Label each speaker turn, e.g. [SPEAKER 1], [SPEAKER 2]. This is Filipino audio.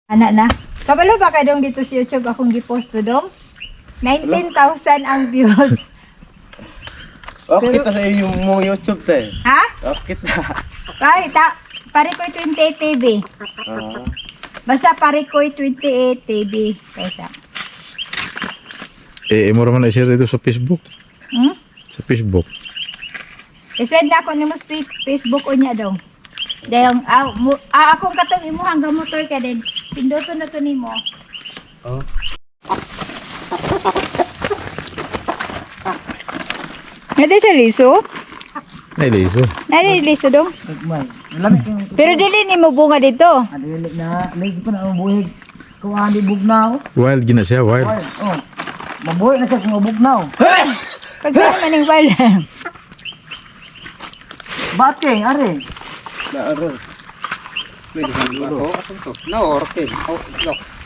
[SPEAKER 1] Anak na. Kabalo ba ka dong dito sa YouTube akong gipost to dong? 19,000 ang views.
[SPEAKER 2] Okay ta sa yung mong YouTube te.
[SPEAKER 1] Ha?
[SPEAKER 2] Okay ta.
[SPEAKER 1] Pare ko'y 28 TV.
[SPEAKER 2] Ah.
[SPEAKER 1] Basta pare ko'y 28 TV. Kaysa.
[SPEAKER 3] Mo raman na i-share dito sa Facebook.
[SPEAKER 1] Hmm?
[SPEAKER 3] Sa Facebook.
[SPEAKER 1] I-send na ako ni mo sa Facebook o niya daw. Dahil, akong katong imo hanggang motor ka din. Pinduto na to ni mo.
[SPEAKER 2] Oh.
[SPEAKER 1] Nade sa liso?
[SPEAKER 3] Nailiso.
[SPEAKER 1] Nade liso dong?
[SPEAKER 4] Nagmay. Lamig yung
[SPEAKER 1] Pero dili ni mo bunga dito.
[SPEAKER 4] adilik na lagi pa na mabuhig. Kuha di bugnaw.
[SPEAKER 3] Wild gina siya, wild.
[SPEAKER 4] Oh. Mabuhay na siya kung mabugnaw.
[SPEAKER 1] Pag di naman yung wala.
[SPEAKER 4] Bating, are.
[SPEAKER 2] Na aro. Pwede ba? Oh, ato to. Na orke. Oh, look.